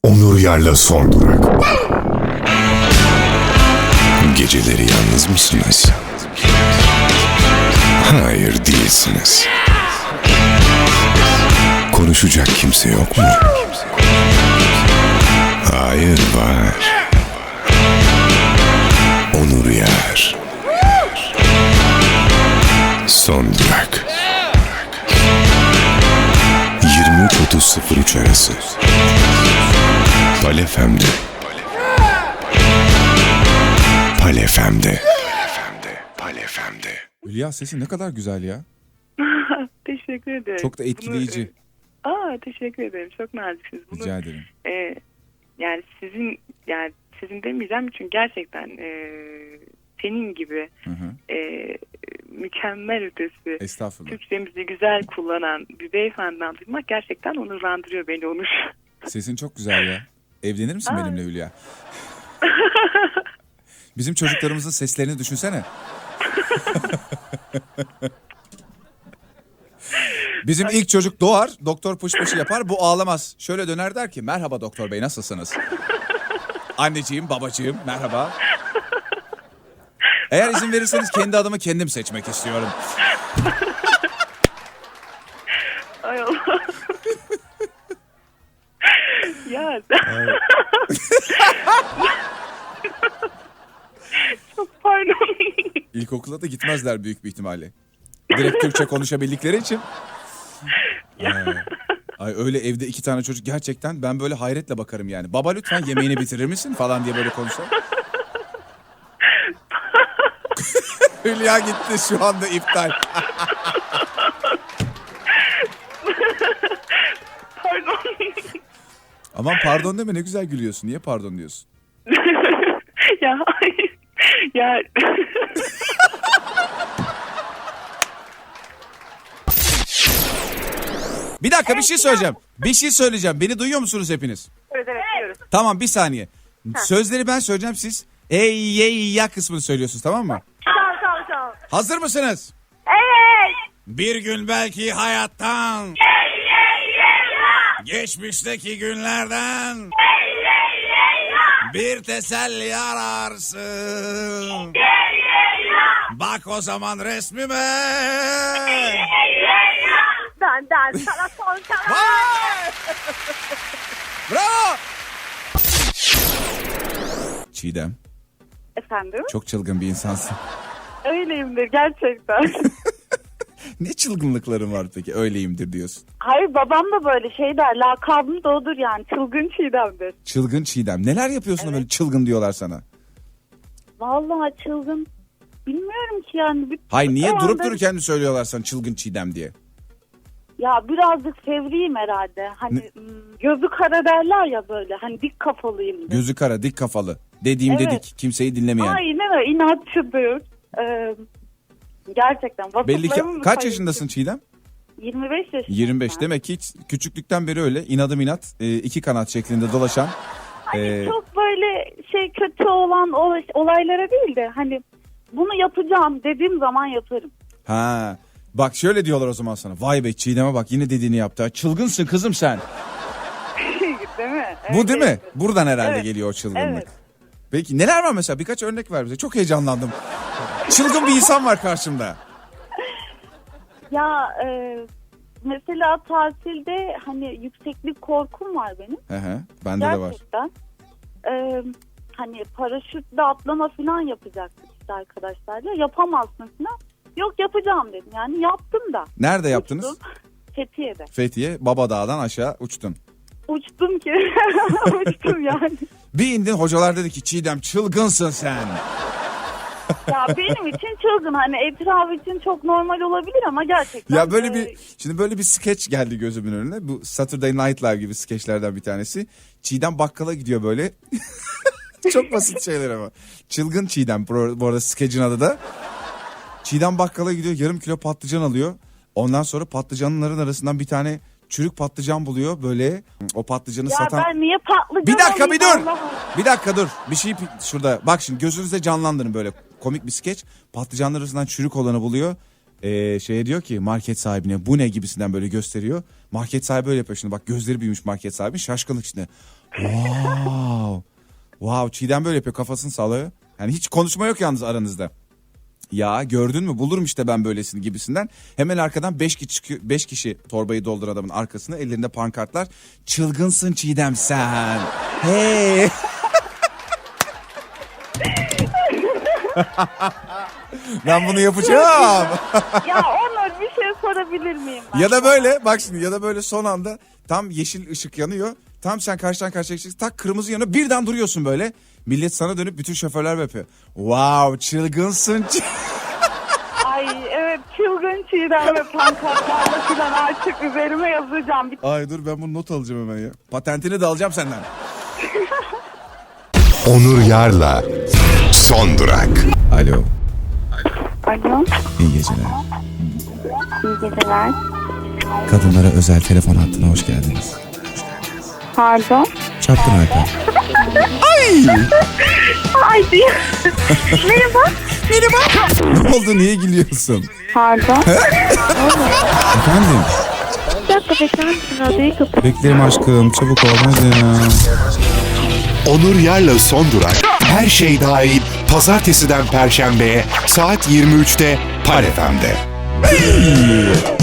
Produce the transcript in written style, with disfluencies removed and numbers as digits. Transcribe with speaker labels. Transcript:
Speaker 1: Onur Yar'la Son Durak. Geceleri yalnız mısınız? Hayır, değilsiniz. Konuşacak kimse yok mu? Hayır, var. Onur Yar. Son Durak. 23.30-03 arası. Pal FM'de. Pal FM'de. Pal FM'de.
Speaker 2: Hülya, sesin ne kadar güzel ya.
Speaker 3: Teşekkür ederim.
Speaker 2: Çok da etkileyici.
Speaker 3: Teşekkür ederim. Çok naziksiniz.
Speaker 2: Rica ederim.
Speaker 3: Yani sizin demeyeceğim çünkü gerçekten senin gibi mükemmel ötesi
Speaker 2: Estağfurullah.
Speaker 3: Türkçemizi güzel kullanan bir beyefendiden duymak gerçekten onurlandırıyor beni, Onur.
Speaker 2: Sesin çok güzel ya. Evlenir misin benimle Hülya? Bizim çocuklarımızın seslerini düşünsene. Bizim ilk çocuk doğar, doktor pışpışı yapar, bu ağlamaz. Şöyle döner der ki, merhaba doktor bey, nasılsınız? Anneciğim, babacığım, merhaba. Eğer izin verirseniz kendi adımı kendim seçmek istiyorum.
Speaker 3: Ay Allah. Ya. Çok pardon.
Speaker 2: İlkokula da gitmezler büyük bir ihtimalle. Direkt Türkçe konuşabildikleri için. Ay öyle evde 2 tane çocuk, gerçekten ben böyle hayretle bakarım yani. Baba lütfen yemeğini bitirir misin falan diye böyle konuşalım. Hülya gitti, şu anda iptal.
Speaker 3: Pardon.
Speaker 2: Aman pardon deme, ne güzel gülüyorsun. Niye pardon diyorsun?
Speaker 3: Ya hayır. Ya.
Speaker 2: Bir dakika, bir şey söyleyeceğim. Bir şey söyleyeceğim. Beni duyuyor musunuz hepiniz?
Speaker 3: Evet duyuyoruz.
Speaker 2: Tamam, bir saniye. Sözleri ben söyleyeceğim, siz ey ye ya kısmını söylüyorsunuz, tamam mı?
Speaker 3: Tamam.
Speaker 2: Hazır mısınız?
Speaker 3: Evet.
Speaker 2: Bir gün belki hayattan, geçmişteki günlerden bir teselli ararsın. Bak o zaman resmime.
Speaker 3: Dan sana son karar.
Speaker 2: Vay! Bravo! Çiğdem,
Speaker 3: Efendim?
Speaker 2: çok çılgın bir insansın.
Speaker 3: Öyleyimdir gerçekten.
Speaker 2: Ne çılgınlıkların var peki, öyleyimdir diyorsun.
Speaker 3: Hayır, babam da böyle şey der, lakabım da odur yani, çılgın Çiğdem'dir.
Speaker 2: Çılgın Çiğdem. Neler yapıyorsun da böyle çılgın diyorlar sana?
Speaker 3: Vallahi çılgın. Bilmiyorum ki yani.
Speaker 2: Hayır, niye
Speaker 3: O
Speaker 2: durup
Speaker 3: anda-
Speaker 2: dururken mi söylüyorlar sana çılgın Çiğdem diye?
Speaker 3: Ya birazcık fevriyim herhalde. Hani gözü kara derler ya böyle. Hani dik kafalıyım.
Speaker 2: Gözü kara, dik kafalı. Dediğim
Speaker 3: Evet.
Speaker 2: dedik, kimseyi dinlemeyen.
Speaker 3: Aynen öyle, inatçıdır. Gerçekten.
Speaker 2: Belli ki
Speaker 3: Vasıflarımı
Speaker 2: kaç
Speaker 3: sayın-
Speaker 2: yaşındasın Çiğdem?
Speaker 3: 25 yaşındayım.
Speaker 2: 25.
Speaker 3: ben.
Speaker 2: Demek ki hiç küçüklükten beri öyle inadım inat, 2 kanat şeklinde dolaşan.
Speaker 3: Hani çok böyle kötü olan olaylara değil de hani bunu yapacağım dediğim zaman yaparım.
Speaker 2: Ha. Bak şöyle diyorlar o zaman sana. Vay be, Çiğdem'e bak, yine dediğini yaptı. Çılgınsın kızım sen.
Speaker 3: Değil mi?
Speaker 2: Bu değil mi?
Speaker 3: Evet.
Speaker 2: Buradan herhalde
Speaker 3: Evet.
Speaker 2: geliyor o çılgınlık.
Speaker 3: Evet.
Speaker 2: Peki neler var mesela? Birkaç örnek ver bize. Çok heyecanlandım. Çılgın bir insan var karşımda.
Speaker 3: Ya mesela tatilde hani yükseklik korkum var benim.
Speaker 2: Bende de var.
Speaker 3: Gerçekten. Hani paraşütle atlama falan yapacaktık işte arkadaşlarla. Yapamazsın falan. Yok, yapacağım dedim. Yani yaptım da.
Speaker 2: Nerede yaptınız?
Speaker 3: Uçtum. Fethiye'de.
Speaker 2: Fethiye, Baba Dağ'dan aşağı uçtun.
Speaker 3: Uçtum ki. Uçtum yani.
Speaker 2: Bir indin, hocalar dedi ki Çiğdem çılgınsın sen.
Speaker 3: Ya benim için çılgın. Hani etraf için çok normal olabilir ama gerçekten.
Speaker 2: Ya böyle bir, şimdi böyle bir skeç geldi gözümün önüne. Bu Saturday Night Live gibi skeçlerden bir tanesi. Çiğdem bakkala gidiyor böyle. Çok basit şeyler ama. Çılgın Çiğdem bu arada skecin adı da. Çiğdem bakkala gidiyor, yarım kilo patlıcan alıyor. Ondan sonra patlıcanların arasından bir tane çürük patlıcan buluyor böyle. O patlıcanı
Speaker 3: Ya
Speaker 2: satan...
Speaker 3: ben niye patlıcan
Speaker 2: Bir dakika, bir dur.
Speaker 3: olayım Allah'ım?
Speaker 2: Bir dakika dur. Bir şey şurada. Bak şimdi gözünüzde canlandırın böyle komik bir skeç. Patlıcanlar arasından çürük olanı buluyor. Şeye diyor ki market sahibine, bu ne gibisinden böyle gösteriyor. Market sahibi öyle yapıyor şimdi, bak gözleri büyümüş market sahibi, şaşkınlık içinde. Wow. Wow, Çiğdem böyle yapıyor, kafasını sallıyor. Yani hiç konuşma yok yalnız aranızda. Ya gördün mü, bulurum işte ben böylesini gibisinden. Hemen arkadan 5 kişi torbayı doldur adamın arkasına, ellerinde pankartlar. Çılgınsın Çiğdem sen. Hey. Ben bunu yapacağım.
Speaker 3: Ya Onur, bir şey sorabilir miyim ben?
Speaker 2: Ya da böyle bak şimdi, ya da böyle son anda tam yeşil ışık yanıyor. Tam sen karşıdan karşıya geçeceksin. Tak kırmızı yanıyor. Birden duruyorsun böyle. Millet sana dönüp bütün şoförler yapıyor. Wow, çılgınsın.
Speaker 3: Ay evet, çılgın Çiğdem ve pankartlarla falan artık üzerime yazacağım.
Speaker 2: Ay dur, ben bunu not alacağım hemen ya. Patentini de alacağım senden.
Speaker 1: Onur Yar'la Son Durak.
Speaker 2: Alo.
Speaker 3: Alo,
Speaker 2: İyi geceler.
Speaker 3: iyi geceler.
Speaker 2: Kadınlara özel telefon hattına hoş geldiniz.
Speaker 3: Pardon.
Speaker 2: Çapkın Alper.
Speaker 3: Ay diyor. Merhaba.
Speaker 2: Ne oldu, niye gülüyorsun?
Speaker 3: Pardon.
Speaker 2: Efendim?
Speaker 3: Bir dakika bekler misin? Radyoyu kapat.
Speaker 2: Beklerim aşkım, çabuk ol hadi ya.
Speaker 1: Onur Yar'la Son Durak. Her şey dahil pazartesiden perşembeye saat 23'te Pal FM'de.